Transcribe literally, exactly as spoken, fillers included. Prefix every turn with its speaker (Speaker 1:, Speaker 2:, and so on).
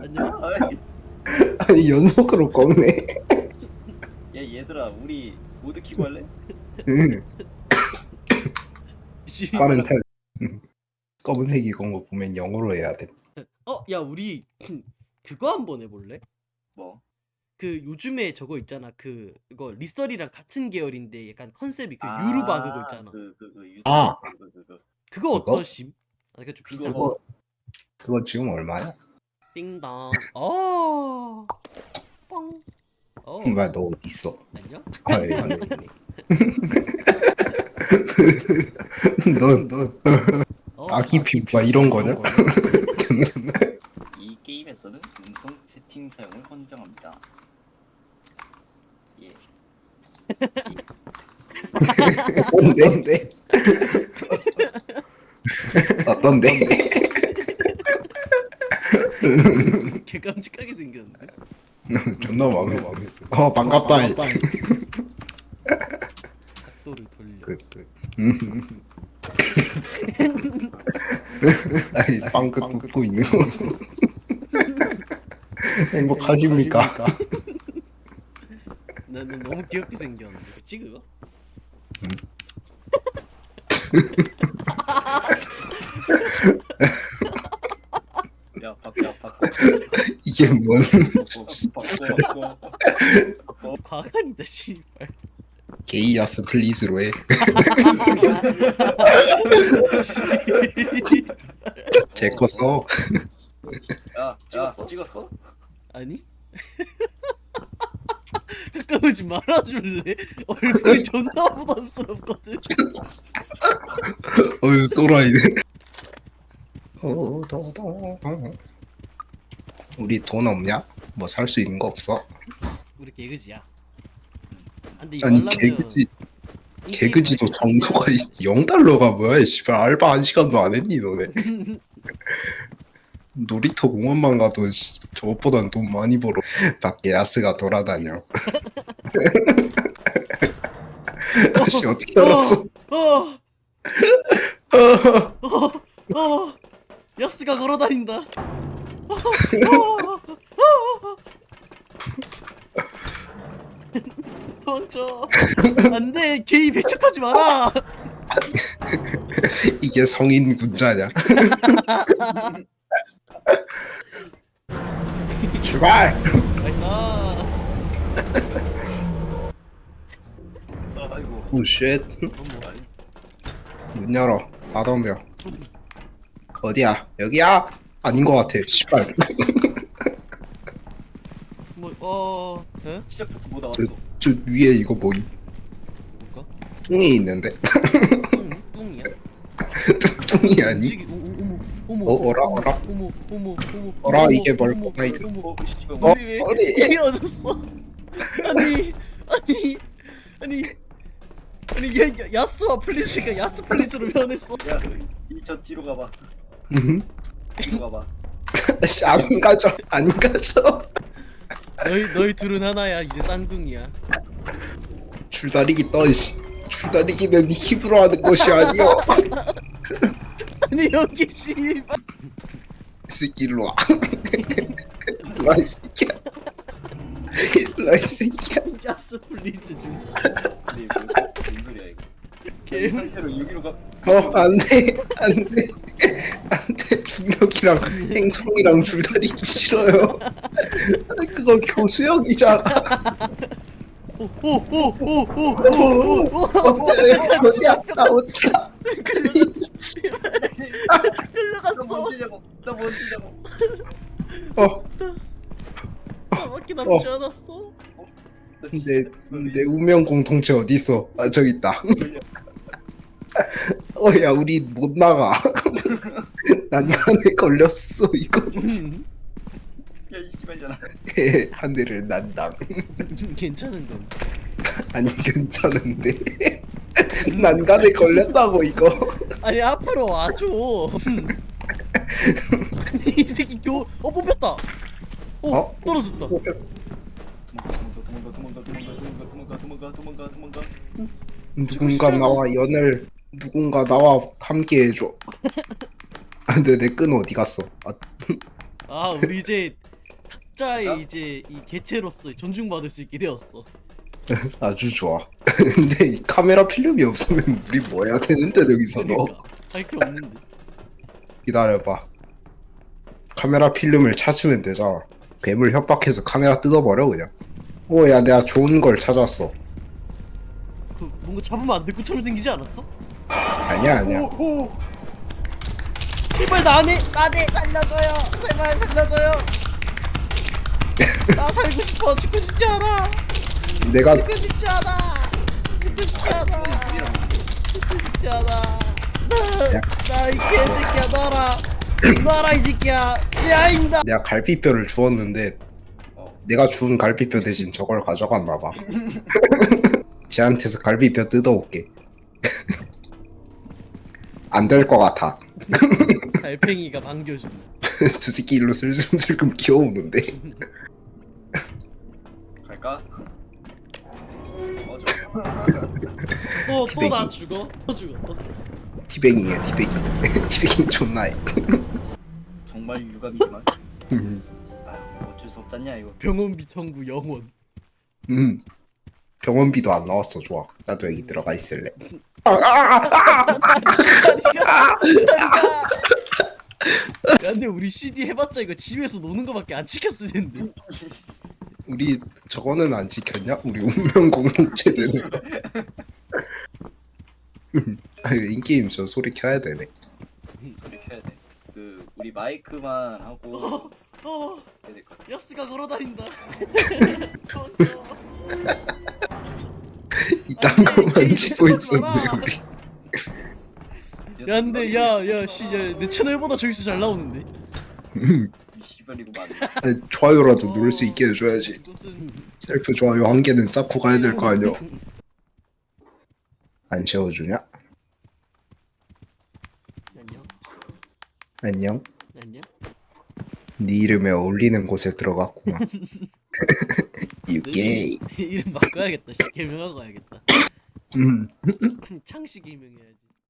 Speaker 1: 안녕.
Speaker 2: 아이,
Speaker 3: 아니 연속으로 꺾네.
Speaker 2: 야 얘들아 우리 모드 키고 할래?
Speaker 3: 응.
Speaker 1: 씨.
Speaker 3: 빠른 탈. 응. 검은색 이건 거 보면 영어로 해야 돼.
Speaker 1: 어, 야 우리 그거 한번 해볼래?
Speaker 2: 뭐?
Speaker 1: 그 요즘에 저거 있잖아. 그 이거 리썰이랑 같은 계열인데 약간 컨셉이 그
Speaker 2: 아,
Speaker 1: 유루바 그거 있잖아.
Speaker 2: 그, 그, 그, 유튜브
Speaker 3: 아.
Speaker 2: 그거, 그거, 그거.
Speaker 1: 그거
Speaker 3: 그거?
Speaker 1: 어떠심? 아, 이거 좀 비싼
Speaker 2: 그거
Speaker 1: 거.
Speaker 3: 그거 지금 얼마야?
Speaker 1: 띵동. 어. 뻥. 어.
Speaker 3: 뭐야 너 어디 있어?
Speaker 1: 안녕?
Speaker 3: 아 여기 안에 있네. 너너
Speaker 1: 어.
Speaker 3: 아기 피부가 이런 거냐?
Speaker 2: 이 게임에서는 음성 채팅 사용을 헌정합니다. 예.
Speaker 3: 뭔데? 어떤데?
Speaker 1: 개 깜찍하게 생겼는데.
Speaker 3: 존나 마음에 마음에. 어 반갑다.
Speaker 1: 각도를 돌려.
Speaker 3: 그, 그. 아이 빵끝 웃고 있는 거. 행복하십니까?
Speaker 1: 나는 너무 귀엽게 생겼는데. 그치 그거?
Speaker 2: 야 바꿔 바꿔
Speaker 3: 이게 뭔?
Speaker 2: 바꿔 바꿔 바꿔.
Speaker 1: 과간이다 씨발.
Speaker 3: 게이아스 플리즈로 해. 제 거 써.
Speaker 2: 야, 야 찍었어?
Speaker 1: 아니? 가까우지 말아줄래? 얼굴이 존나 부담스럽거든.
Speaker 3: 어휴 또라이네. 어더더 우리 돈 없냐? 뭐 살 수 있는 거 없어?
Speaker 1: 우리 개그지야. 근데 이거
Speaker 3: 아니
Speaker 1: 하려면
Speaker 3: 개그지
Speaker 1: 인게임
Speaker 3: 개그지도
Speaker 1: 라이센스
Speaker 3: 정도가 영 달러가 뭐야? 씨발 알바 한 시간도 안 했니 너네? 놀이터 공원만 가도 씨, 저것보단 돈 많이 벌어. 밖에 야스가 돌아다녀. 씨 어떻게 알았어?
Speaker 1: 어, 어, 어, 어, 야스가 걸어다닌다. 어, 어, 어. 도망쳐. 안돼, 게이 배척하지 마라.
Speaker 3: 이게 성인 군자냐? 출발!
Speaker 1: 나이스.
Speaker 2: 아이고.
Speaker 3: 오쉣
Speaker 1: 어머.
Speaker 3: 문 열어. 다 덤벼. 어디야? 여기야? 아닌 것 같아. 씨발.
Speaker 1: 뭐, 어, 에?
Speaker 2: 시작부터 뭐 나왔어?
Speaker 3: 저 위에 이거 뭐임?
Speaker 1: 뭘까?
Speaker 3: 뚱이 있는데?
Speaker 1: 똥, 똥이야?
Speaker 3: 뚱이 아니?
Speaker 1: 움직이, 오, 어머, 어머,
Speaker 3: 어, 어라,
Speaker 1: 어머,
Speaker 3: 어라?
Speaker 1: 어머, 어머, 어머,
Speaker 3: 어라,
Speaker 1: 어머,
Speaker 3: 이게 뭘
Speaker 1: 어머,
Speaker 3: 보나, 이거.
Speaker 1: 어머,
Speaker 2: 어, 씨발.
Speaker 3: 어?
Speaker 1: 아니 왜
Speaker 3: 어리.
Speaker 1: 헤어졌어? 아니, 아니, 아니, 아니, 야, 야, 야스와 플리즈가 야스 플리즈로 변했어.
Speaker 2: 야, 이저 뒤로 가봐.
Speaker 3: 음.
Speaker 2: 뒤로 가봐.
Speaker 3: 씨, 안 가져. 안 가져.
Speaker 1: 너희 너희 둘은 하나야. 이제 쌍둥이야.
Speaker 3: 줄다리기 떠, 씨. 줄다리기는 힘으로 하는 것이 아니오.
Speaker 1: 아니 여기 씨발.
Speaker 3: 이 새끼 일로 와. 일로 와, 이 새끼야. 일로 와, 이 새끼야.
Speaker 1: 야스 플리즈 중.
Speaker 2: 근데 이거 무슨 소리야 이거? 이
Speaker 1: 개.
Speaker 2: 상태로 여기로 가.
Speaker 3: 어, 안 돼. 안 돼. 안 돼. 중력이랑 행성이랑 줄다리기 싫어요. 그거 교수형이잖아.
Speaker 1: 오오오오오오오오.
Speaker 3: 어디야? 나 어디야?
Speaker 2: 나
Speaker 1: 끌려갔어.
Speaker 2: 뭔지냐고. 나 뭔지냐고.
Speaker 3: 어,
Speaker 1: 나밖에 남지 않았어.
Speaker 3: 내, 내 운명 공통체 어디 있어? 아, 저기 있다. 어, 야, 우리 못 나가. 난간에 걸렸어, 이거.
Speaker 2: 야, 이 씨발잖아.
Speaker 3: 한 대를 난당.
Speaker 1: 괜찮은 건.
Speaker 3: 아니, 괜찮은데. 난간에 걸렸다고, 이거.
Speaker 1: 아니 앞으로 와줘. 아니 이 새끼 교. 어 뽑혔다. 오
Speaker 3: 어?
Speaker 1: 떨어졌다.
Speaker 2: 도망가, 도망가, 도망가, 도망가, 도망가, 도망가, 도망가, 도망가.
Speaker 3: 누군가 나와 연을 누군가 나와 함께 해줘. 아, 근데 내 끈 어디 갔어? 아,
Speaker 1: 아 우리 이제 각자의 이제 이 개체로서 존중받을 수 있게 되었어.
Speaker 3: 아주 좋아. 근데 이 카메라 필름이 없으면 우리 뭐 해야 되는데 여기서 너
Speaker 1: 그러니까 할 게 없는데.
Speaker 3: 기다려봐. 카메라 필름을 찾으면 되잖아. 뱀을 협박해서 카메라 뜯어버려 그냥. 오야 내가 좋은 걸 찾았어.
Speaker 1: 그 뭔가 잡으면 안 될 것처럼 생기지 않았어?
Speaker 3: 아니야 아니야.
Speaker 2: 오!
Speaker 1: 제발 나네 나네 살려줘요. 제발 살려줘요. 나 살고 싶어. 죽고 싶지 않아.
Speaker 3: 내가
Speaker 1: 죽고 싶지 않아. 죽고 싶지 않아. 죽고 싶지 않아. 나나 이 개새끼야 놔라. 놔라 이 새끼야. 야 임다.
Speaker 3: 내가 갈비뼈를 주었는데
Speaker 2: 어.
Speaker 3: 내가 주운 갈비뼈 대신 저걸 가져갔나봐. 쟤한테서 갈비뼈 뜯어올게. 안 될 것 같아.
Speaker 1: 달팽이가 반겨줌.
Speaker 3: 두 새끼 일로 슬금슬금 기어오는데.
Speaker 2: 갈까? 어, 저.
Speaker 1: 또 또 나
Speaker 3: 티백이.
Speaker 1: 죽어. 또 죽어. 또.
Speaker 3: 티뱅이야 티뱅이. 티뱅이 존나 해.
Speaker 2: 정말 유감이지만.
Speaker 3: 음.
Speaker 2: 아, 어쩔 수 없잖냐 이거.
Speaker 1: 병원비 청구 영원.
Speaker 3: 음. 병원비도 안 나왔어. 좋아. 나도 여기 들어가 있을래.
Speaker 1: 다리가 다리가. 야 근데 우리 씨디 해봤자 이거 집에서 노는 거밖에 안 지켰을 텐데.
Speaker 3: 우리 저거는 안 지켰냐? 우리 운명 공동체는. 아 이거 인게임 저 소리 켜야 되네.
Speaker 2: 소리 켜야 돼. 그 우리 마이크만 하고
Speaker 1: 어
Speaker 2: 해야 될 것 같아.
Speaker 1: 야스가 걸어다닌다.
Speaker 3: 이딴
Speaker 1: 안 돼,
Speaker 3: 거만
Speaker 1: 게임
Speaker 3: 찍고
Speaker 1: 미쳤어,
Speaker 3: 있었네
Speaker 1: 나.
Speaker 3: 우리.
Speaker 1: 야 근데 야야씨야내 채널보다 저기서 잘 나오는데.
Speaker 2: 이 씨발이고 맞네.
Speaker 3: 아니, 좋아요라도 누를 수 있게 해줘야지.
Speaker 1: 이것은
Speaker 3: 셀프 좋아요 한 개는 쌓고 가야 될 거 아니야. 안 채워주냐?
Speaker 1: 안녕
Speaker 3: 안녕.
Speaker 1: 안녕.
Speaker 3: 네 이름에 어울리는 곳에 들어갔구만. 유게이.
Speaker 1: 이름 바꿔야겠다. 씨. 개명하고 가야겠다.
Speaker 3: 음.
Speaker 1: 창씨 개명해야지.